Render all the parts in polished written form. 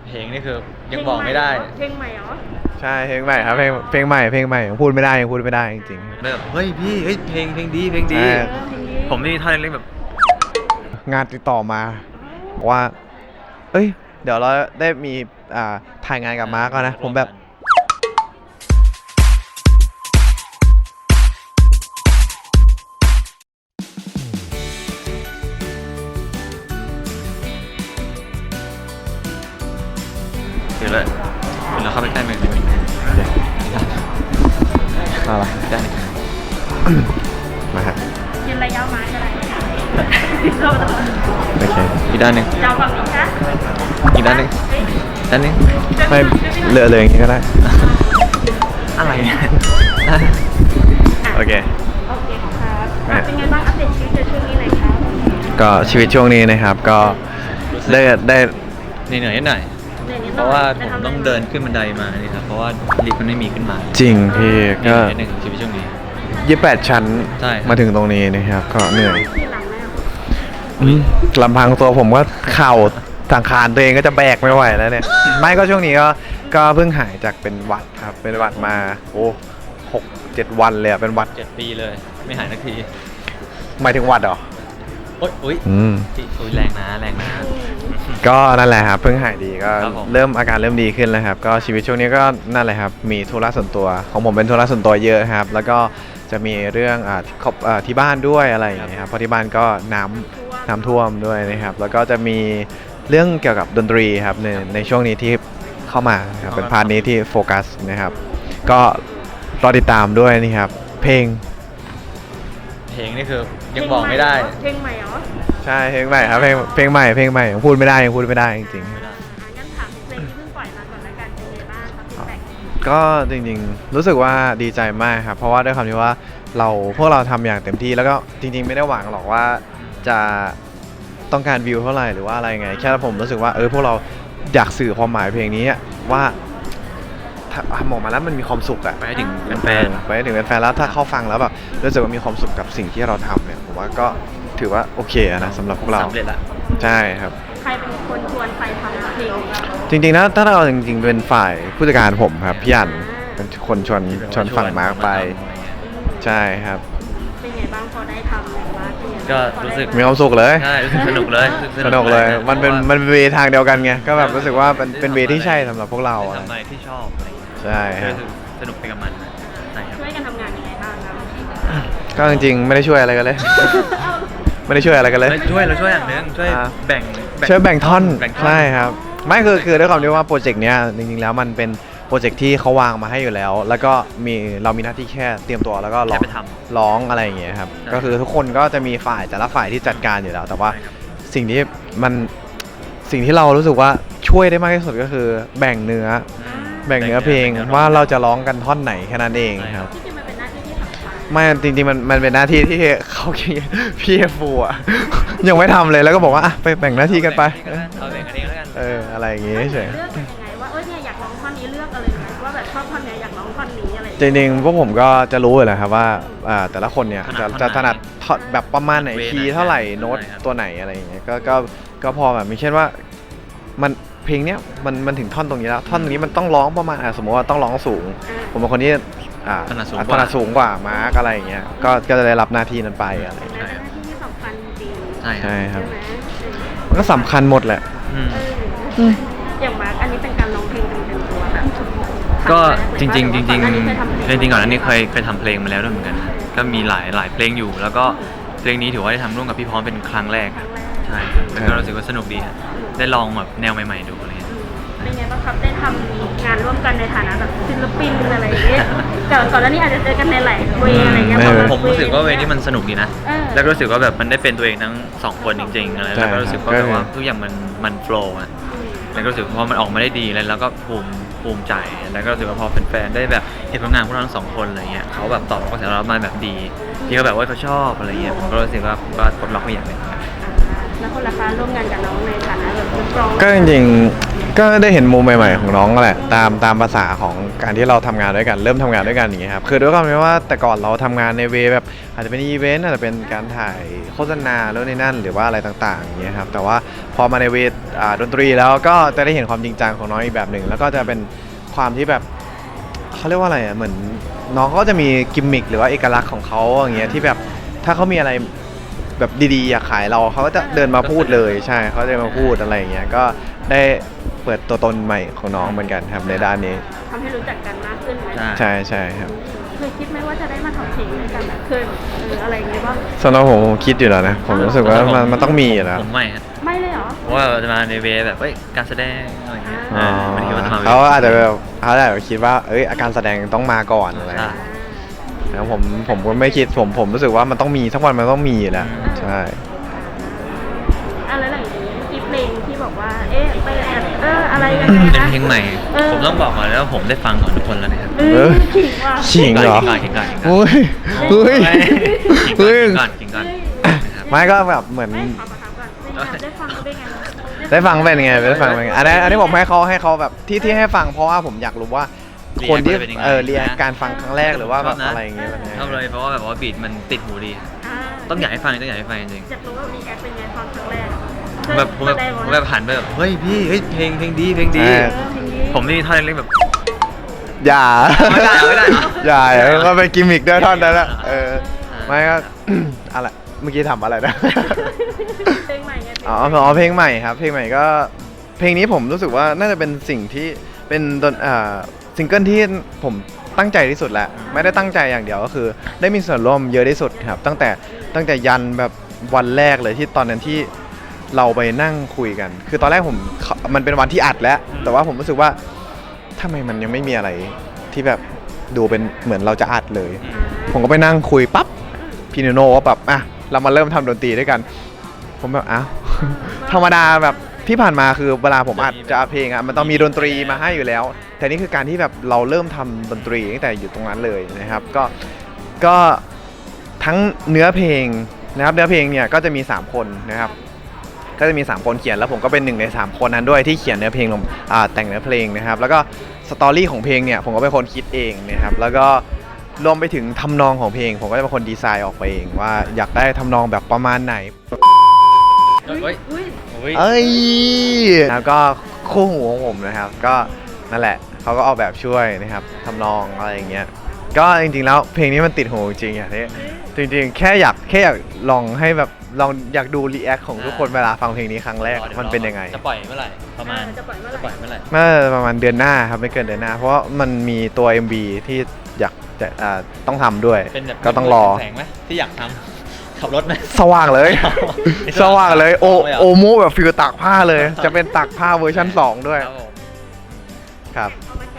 เพลงนี่คือยังบอกไม่ได้เพลงใหม่เหรอใช่เพลงใหม่ครับเพลงใหม่ยังพูดไม่ได้จริงแบบเฮ้ยพี่เฮ้ยเพลงดีผมนี่ท่อนเล็กๆแบบงานติดต่อมาบอกว่าเอ้ยเดี๋ยวเราได้มีถ่ายงานกับมาร์กนะผมแบบเดี๋ยวเราเข้าไปใกล้เมืองอะไรได้มาฮะยืนระยะไม้ก็ได้โอเคอีกด้านหนึ่งเจ้าฝั่งนี้คะอีกด้านหนึ่งไม่เหลือเลยอย่างนี้ก็ได้อะไรเนี่ยโอเคครับเป็นไงบ้างอัปเดตชีวิตในช่วงนี้หน่อยครับก็ชีวิตช่วงนี้นะครับก็ได้เหนื่อยนิดหน่อยเพราะว่าผมต้องเดินขึ้นบันไดมานี่ครับเพราะว่าลิฟต์มันไม่มีขึ้นมาจริงพี่ก็หนึ่งชีวิตช่วงนี้ 28 ชั้นมาถึงตรงนี้นะครับก็เหนื่อยลำพังตัวผมก็เข่าสังขารตัวเองก็จะแบกไม่ไหวแล้วเนี่ยไม่ก็ช่วงนี้ก็เพิ่งหายจากเป็นหวัดครับเป็นหวัดมาโอ้6-7 วันเลยเป็นหวัด 7 ปีเลยไม่หายสักทีหมายถึงหวัดเหรอโอ๊ยแรงนะก็นั่นแหละครับเพิ่งหายดีก็เริ่มอาการเริ่มดีขึ้นแล้วครับก็ชีวิตช่วงนี้ก็นั่นแหละครับมีธุระส่วนตัวของผมเป็นธุระส่วนตัวเยอะครับแล้วก็จะมีเรื่องที่บ้านด้วยอะไรอย่างเงี้ยครับเพราะที่บ้านก็น้ำท่วมด้วยนะครับแล้วก็จะมีเรื่องเกี่ยวกับดนตรีครับในช่วงนี้ที่เข้ามาครับเป็นพาร์ทนี้ที่โฟกัสนะครับก็รอติดตามด้วยนี่ครับเพลงนี่คือยังบอกไม่ได้เพลงใหม่เหรอใช่เพลงใหม่ครับเพลงใหม่ยังพูดไม่ได้จริงๆงั้นถามเพลงที่เพิ่งปล่อยมาก่อนละกันเป็นไงบ้างครับฟีดแบ็กก็จริงๆรู้สึกว่าดีใจมากครับเพราะว่าด้วยความที่ว่าพวกเราทำอย่างเต็มที่แล้วก็จริงๆไม่ได้หวังหรอกว่าจะต้องการวิวเท่าไหร่หรือว่าอะไรไงแค่ผมรู้สึกว่าพวกเราอยากสื่อความหมายเพลงนี้ว่าหมอกมาแล้วมันมีความสุขอะไปถึงแฟนแล้วถ้าเขาฟังแล้วแบบรู้สึกว่ามีความสุขกับสิ่งที่เราทำเนี่ยผมว่าก็ถือว่าโอเคนะสำหรับพวกเราสำเร็จละใช่ครับใครเป็นคนชวนใครทำเพลงจริงๆนะถ้าเราจริงๆเป็นฝ่ายผู้จัดการผมครับพี่อั๋นเป็นคนชวนฝั่งมาร์กไปใช่ครับเป็นไงบ้างพอได้ทำแบบว่าก็รู้สึกมีความสุขเลยใช่รู้สึกสนุกเลยมันเป็นเวทางเดียวกันไงก็แบบรู้สึกว่าเป็นเวที่ใช่สำหรับพวกเราทำอะไรที่ชอบใช่ครับสนุกไปกับมันช่วยกันทำงานยังไงบ้างครับก็จริงๆไม่ได้ช่วยอะไรกันเลยไม่ได้ช่วยอะไรกันเลยเราช่วยอย่างนึงช่วยแบ่งท่อนใช่ครับไม่คือด้วยความที่ว่าโปรเจกต์เนี้ยจริงๆแล้วมันเป็นโปรเจกต์ที่เขาวางมาให้อยู่แล้วแล้วก็เรามีหน้าที่แค่เตรียมตัวแล้วก็ร้องอะไรอย่างเงี้ยครับก็คือทุกคนก็จะมีแต่ละฝ่ายที่จัดการอยู่แล้วแต่ว่าสิ่งที่เรารู้สึกว่าช่วยได้มากที่สุดก็คือแบ่งเนื้อเพลงว่าเราจะร้องกันท่อนไหนแค่นั้นเองครับไม่จริงๆมันเป็นหน้าที่ที่เขาพี่ฟูอ่ะยังไม่ทำเลยแล้วก็บอกว่าไปแบ่งหน้าที่กันไปเอาแบ่งกันเองแล้วกันอะไรอย่างงี้เฉยเลือกยังไงว่าเนี่ยอยากร้องท่อนนี้เลือกอะไรไหมว่าแบบชอบท่อนนี้อยากร้องท่อนนี้อะไรจริงๆพวกผมก็จะรู้เลยครับว่าแต่ละคนเนี่ยจะถนัดแบบประมาณไหนคีย์เท่าไหร่โน้ตตัวไหนอะไรอย่างเงี้ยก็พอแบบมีเช่นว่ามันเพลงเนี้ยมันถึงท่อนตรงนี้แล้วท่อนตรงนี้มันต้องร้องประมาณสมมติว่าต้องร้องสูงผมเป็นคนที่ถนัดสูงกว่ามาร์กอะไรอย่างเงี้ยก็จะได้รับหน้าที่นั้นไปอะไรอย่างเงี้ยที่สำคัญจริงใช่ครับมันก็สำคัญหมดแหละอย่างมาร์กอันนี้เป็นการร้องเพลงเป็นตัวแบบก็จริงก่อนอันนี้เคยทำเพลงมาแล้วด้วยเหมือนกันก็มีหลายเพลงอยู่แล้วก็เพลงนี้ถือว่าได้ทำร่วมกับพี่พร้อมเป็นครั้งแรกใช่แล้วก็รู้สึกว่าสนุกดีได้ลองแบบแนวใหม่ๆดูอะไรเป็นไงบ้างครับได้ทำงานร่วมกันในฐานะแบบศิลปินอะไรอย่างเงี้ยก่อนหน้านี้อาจจะเจอกันในหลายเวย์อะไรเงี้ยผมรู้สึกว่าเวย์นี้มันสนุกดีนะแล้วก็รู้สึกว่าแบบมันได้เป็นตัวเองทั้ง2คนจริงๆอะไรแล้วก็รู้สึกว่าแบบว่าทุกอย่างมันโฟล์อ่ะแล้วก็รู้สึกพอมันออกมาได้ดีแล้วก็ภูมิใจแล้วก็รู้สึกว่าพอแฟนๆได้แบบเห็นผลงานพวกเราทั้ง2คนอะไรเงี้ยเขาแบบตอบรับกระแสเรามาแบบดีที่เขาแบบว่าเขาชอบอะไรเงี้ยผมก็รู้สึกว่าก็ปลดล็อกไปอย่างนึงแล้วคนละคะร่วมงานกับน้องในฐานะแบบนักร้องก็จริงก็ได้เห็นมุมใหม่ๆของน้องแหละตามภาษาของการที่เราทำงานด้วยกันเริ่มทำงานด้วยกันอย่างเงี้ยครับคือด้วยความที่ว่าแต่ก่อนเราทำงานในเวแบบอาจจะเป็นอีเวนต์อาจจะเป็นการถ่ายโฆษณาแล้วในนั่นหรือว่าอะไรต่างๆอย่างเงี้ยครับแต่ว่าพอมาในเวดนตรีแล้วก็จะได้เห็นความจริงจังของน้องอีกแบบหนึ่งแล้วก็จะเป็นความที่แบบเขาเรียกว่าอะไรอ่ะเหมือนน้องเขาก็จะมีกิมมิคหรือว่าเอกลักษณ์ของเขาอย่างเงี้ยที่แบบถ้าเขามีอะไรแบบดีๆอยากขายเราเขาก็จะเดินมาพูดเลยใช่เขาจะมาพูดอะไรอย่างเงี้ยก็ได้เปิดตัวตนใหม่ของน้องเหมือนกันครับในด้านนี้ทำให้รู้จักกันมากขึ้นไหมใช่ใช่ครับเคยคิดไหมว่าจะได้มาทำเพลงด้วยกันอะเคยอะไรอย่างเงี้ยบ้างสำหรับผมคิดอยู่แล้วนะผมรู้สึกว่ามันต้องมีอยู่แล้วผมไม่ครับไม่เลยเหรอเพราะว่าจะมาในเวแบบการแสดงอะไรอย่างเงี้ยอ๋อไม่ได้คิดว่าจะมาเขาอาจจะแบบเขาอาจจะคิดว่าอาการแสดงต้องมาก่อนอะไรใช่แล้วผมก็ไม่คิดผมรู้สึกว่ามันต้องมีสักวันมันต้องมีอยู่แล้วใช่อะไรหลังจากนี้มีเพลงที่บอกว่าไปแอบอะไรยังไงเป็นนะเพลงใหม่ ผมต้องบอกก่อนแล้วาผมได้ฟังของทุกคนแล้วนะครับขิงว่ะขิงเหรอขิงก่อนเฮ้ยเฮ้ย เฮ้ยขิงก่อนนะครับไม่ก็แบบเหมือนถามก่อนได้ฟังเขาได้ไงได้ฟังเป็นไงได้ฟังเป็นไงอันนี้ผมให้เขาแบบที่ให้ฟังเพราะว่าผมอยากรู้ว่าคนที่เรียนการฟังครั้งแรกหรือว่าแบบอะไรอย่างเงี้ยเป็นไงชอบเลยเพราะว่าแบบว่าบีทมันติดหูดี ต้องอยากให้ฟังจริงอยากรู้ว่ามีแอปเป็นไงฟังครั้งแรกผมแบบหันไปแบบเฮ้ยพี่เฮ้ยเพลงดี ผมนี่ท่อนเล็กๆแบบอย่าไม่ได้เหรออย่าก็เป็นกิมมิคด้วยท่อนนั้นแหละไม่ก็ อะไรเมื่อกี้ทำอะไรนะเพลงใหม่ไงอ๋อเพลงใหม่ครับเพลงใหม่ก็เพลงนี้ผมรู้สึกว่าน่าจะเป็นสิ่งที่เป็นซิงเกิลที่ผมตั้งใจที่สุดแหละไม่ได้ตั้งใจอย่างเดียวก็คือ ได้มีส่วนร่วมเยอะที่สุดครับตั้งแต่ยันแบบวันแรกเลยที่ตอนนั้นที่เราไปนั่งคุยกัน คือตอนแรกมันเป็นวันที่อัดแล้วแต่ว่าผมรู้สึกว่าทำไมมันยังไม่มีอะไรที่แบบดูเป็นเหมือนเราจะอัดเลย ผมก็ไปนั่งคุยปั๊บพี่โนก็แบบเรามาเริ่มทำดนตรีด้วยกันผมแบบธรรมดาแบบที่ผ่านมาคือเวลาผมอัดจะเพลงมันต้องมีดนตรีมาให้อยู่แล้วแต่นี่คือการที่แบบเราเริ่มทำดนตรีตั้งแต่อยู่ตรงนั้นเลยนะครับก็ทั้งเนื้อเพลงนะครับเนื้อเพลงเนี่ยก็จะมี3คนนะครับก็จะมี3คนเขียนแล้วผมก็เป็น1ใน3คนนั้นด้วยที่เขียนเนื้อเพลงลงแต่งเนื้อเพลงนะครับแล้วก็สตอรี่ของเพลงเนี่ยผมก็เป็นคนคิดเองนะครับแล้วก็รวมไปถึงทำนองของเพลงผมก็จะเป็นคนดีไซน์ออกไปเองว่าอยากได้ทำนองแบบประมาณไหนแล้วก็คู่หูของผมนะครับก็นั่นแหละเขาก็ออกแบบช่วยนะครับทำนองอะไรอย่างเงี้ยก็จริงๆแล้วเพลงนี้มันติดหูจริงอย่างนี้จริงๆแค่อยากลองให้แบบลองอยากดูรีแอคของทุกคนเวลาฟังเพลงนี้ครั้งแรกมันเป็นยังไงจะปล่อยเมื่อไหร่ประมาณจะปล่อยเมื่อไหร่ประมาณเดือนหน้าครับไม่เกินเดือนหน้าเพราะมันมีตัว MV ที่อยากจะต้องทำด้วยก็ต้องรอแสงไหมที่อยากทำขับรถไหมสว่างเลยสว่างเลยโอโมแบบฟิลตากผ้าเลยจะเป็นตากผ้าเวอร์ชัน2ด้วยครับ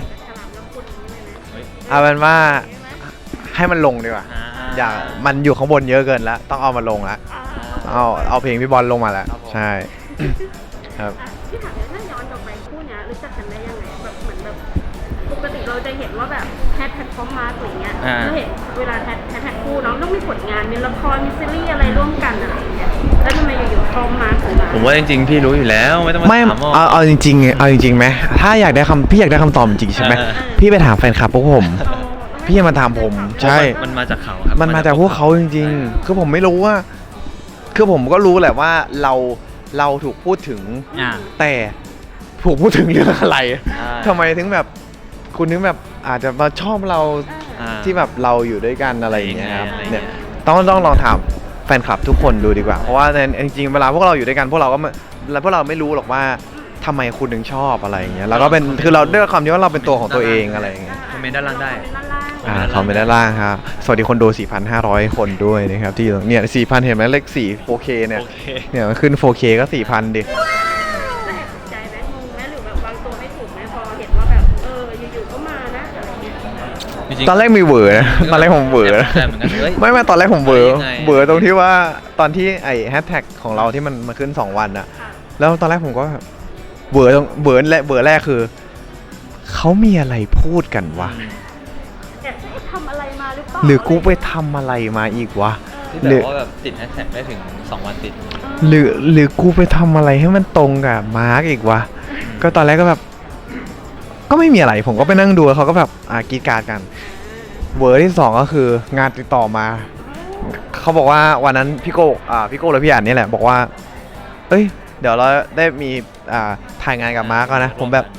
เอาเป็นว่าให้มันลงดีกว่าอย่ามันอยู่ข้างบนเยอะเกินแล้วต้องเอามาลงแล้วเอาเพลงพี่บอลลงมาแล้วใช่ครับที่ถามถ้าย้อนกลับไปคู่นี้รู้จักกันได้ยังไงแบบเหมือนแบบปกติเราจะเห็นว่าแบบแพทพร้อมมาอะไรเงี้ยเราเห็นเวลาแพทคู่น้องต้องมีผลงานมีละครมีซีรีส์อะไรร่วมกันอะไรอย่างเงี้ยแล้วทำไมอยู่ๆพร้อมมาถึงมาผมว่าจริงๆพี่รู้อยู่แล้วไม่ต้องมาถามเอาจริงไหมถ้าอยากได้พี่อยากได้คำตอบจริงใช่ไหมพี่ไปถามแฟนคลับพวกผมพี่มาถามผมใช่มันมาจากเขาครับมันมาจากพวกเขาจริงๆคือผมไม่รู้ว่าคือผมก็รู้แหละว่าเราถูกพูดถึงแต่ถูกพูดถึงเรื่องอะไรทำไมถึงแบบคุณนึกแบบอาจจะมาชอบเราที่แบบเราอยู่ด้วยกันอะไรอย่างเงี้ยครับเนี่ยต้องลองถามแฟนคลับทุกคนดูดีกว่าเพราะว่าจริงๆเวลาพวกเราอยู่ด้วยกันพวกเราไม่รู้หรอกว่าทำไมคุณถึงชอบอะไรอย่างเงี้ยแล้วก็เป็นคือเราด้วยความที่ว่าเราเป็นตัวของตัวเองอะไรอย่างเงี้ยคอมเมนต์ด้านล่างได้เขาไม่ได้ล่างครับสวัสดีคนดู 4,500 คนด้วยนะครับที่เนี่ย 4,000 เห็นไหมเลข4 4K เนี่ยมันขึ้น 4K ก็ 4,000 ดิใจไหมงงไหมหรือแบบวางตัวไม่ถูกไหมพอเห็นว่าแบบอยู่ๆก็มานะอะไรเงี้ยตอนแรกมีเวอร์นะตอนแรกผมเวอร์ไม่ตอนแรกผมเวอร์ตรงที่ว่าตอนที่ไอ้แฮชแท็กของเราที่มันมาขึ้น2 วันอะแล้วตอนแรกผมก็เวอร์แรกคือเขามีอะไรพูดกันวะทำอะไรมาหรือเปล่าหรือกูไปทำอะไรมาอีกวะหรือว่าแบบติดแฮชแท็กได้ถึง2 วันติดหรือกูไปทำอะไรให้มันตรงกับมาร์กอีกวะก็ตอนแรกก็แบบก็ไม่มีอะไรผมก็ไปนั่งดูเขาก็แบบกรีดกราร์ดกันเวอร์ที่สองก็คืองานติดต่อมาเขาบอกว่าวันนั้นพี่โก้และพี่อ่านนี่แหละบอกว่าเอ้ยเดี๋ยวเราได้มีถ่ายงานกับมาร์กแล้วนะผมแบบ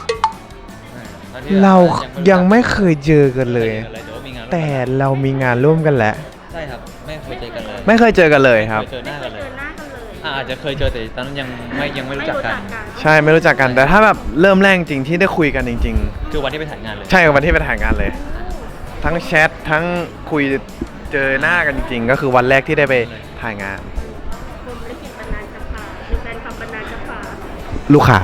เรายังไม่เคยเจอกันเลย แต่เรามีงานร่วมกันแล้วใช่ครับไม่เคยเจอกันเลยไม่เคยเจอกันเลยครับเจอหน้ากันเลยเจอหน้ากันเลยอาจจะเคยเจอแต่ตอนนั้นยังไม่รู้จักกันใช่ไม่รู้จักกันแต่ถ้าแบบเริ่มแรกจริงที่ได้คุยกันจริงคือวันที่ไปถ่ายงานเลยๆ ใช่วันที่ไปถ่ายงานเลย ทั้งแชททั้งคุยเจอหน้ากันจริงๆก็คือวันแรกที่ได้ไปถ่ายงานผมลิขิตบรรณาจะพาหรือแฟนคลับบรรณาจะพาลูกค้า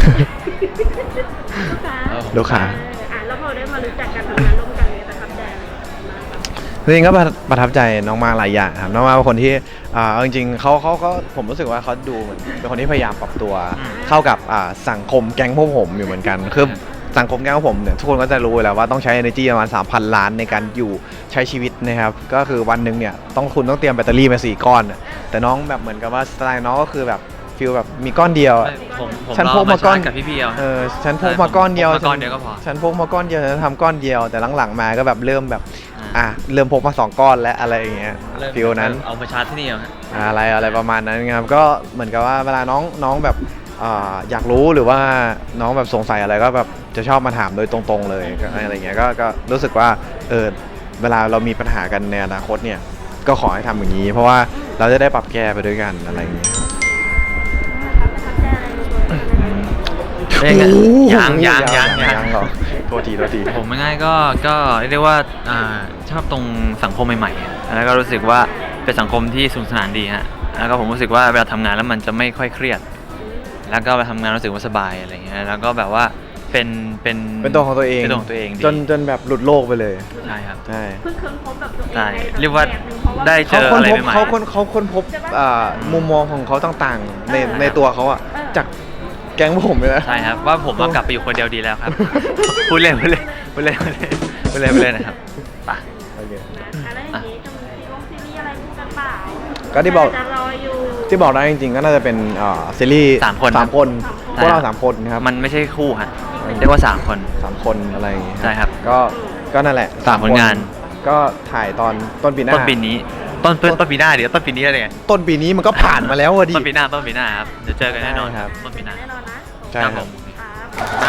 ลูกค้าลูกค้าแล้วพอได้มารู้จักกันทำงานร่วมกันเนี่ยประทับใจอะไรมากครับจริงๆก็ประทับใจน้องมาหลายอย่างครับน้องมาเป็นคนที่เอาจริงๆเขาก็ผมรู้สึกว่าเขาดูเหมือนเป็นคนที่พยายามปรับตัวเข้ากับสังคมแก๊งพวกผมอยู่เหมือนกันคือสังคมแก๊งพวกผมเนี่ยทุกคนก็จะรู้อยู่แล้วว่าต้องใช้ energy ประมาณ 3,000 ล้านในการอยู่ใช้ชีวิตนะครับก็คือวันหนึ่งเนี่ยคุณต้องเตรียมแบตเตอรี่มา4 ก้อนแต่น้องแบบเหมือนกับว่าสไตล์น้องก็คือแบบฟีลแบบมีก้อนเดียวผมฉันพกมาก้อนกับพี่เอาฉันพกมาก้อนเดียวก้อนเดียวก็พอฉันพกมาก้อนเดียวฉันทำก้อนเดียวแต่หลังๆมาก็แบบเริ่มแบบเริ่มพกมา2 ก้อนและอะไรอย่างเงี้ยฟีลนั้นเอามาชาร์จที่นี่เหรออะไรประมาณนั้นครับก็เหมือนกับว่าเวลาน้องแบบอยากรู้หรือว่าน้องแบบสงสัยอะไรก็แบบจะชอบมาถามโดยตรงๆเลยอะไรเงี้ยก็รู้สึกว่าเวลาเรามีปัญหากันในอนาคตเนี่ยก็ขอให้ทำอย่างนี้ เพราะว่าเราจะได้ปรับแก้ไปด้วยกันอะไรอย่างเงี้ย ยังหรอโทษทีผมง่ายๆก็เรียกได้ว่าชอบตรงสังคมใหม่ๆแล้วก็รู้สึกว่าเป็นสังคมที่สนุกสนานดีฮะแล้วก็ผมรู้สึกว่าเวลาทำงานแล้วมันจะไม่ค่อยเครียดแล้วก็ไปทำงานรู้สึกว่าสบายอะไรเงี้ยแล้วก็แบบว่าเป็นตัวของตัวเองจนแบบหลุดโลกไปเลยใช่ครับใช่เพิ่งค้นพบแบบตัวเองใช่ในเรียกว่าแบบหนึ่งเพราะว่าได้เจออะไรใหม่ๆเขาค้นพบมุมมองของเขาต่างๆในตัวเขาอะจากแก๊งพวกผมเลยนะใช่ครับว่าผมกลับไปอยู่คนเดียวดีแล้วครับ พูดเล่นนะครับป่ะโอเคอะไรอย่างนี้จะมีซีรีส์อะไรคู่กันเปล่าก็ที่บอกจะรออยู่ที่บอกได้จริงๆก็น่าจะเป็นซีรีส์ 3 คน 3 คนพวกเรา3 คนนะครับมันไม่ใช่คู่ฮะเรียกว่า3 คน 3 คนอะไรอย่างเงี้ยใช่ครับก็นั่นแหละ 3 ผลงานก็ถ่ายตอนต้นปีหน้าต้นปีนี้ต้นปีหน้าเดี๋ยวต้นปีนี้อะไรเงี้ยต้นปีนี้มันก็ผ่านมาแล้วอะดิต้นปีหน้าครับเดี๋ยวเจอกันแน่นอนครับต้นปีหน้าแน่นอนนะใช่ครับครับ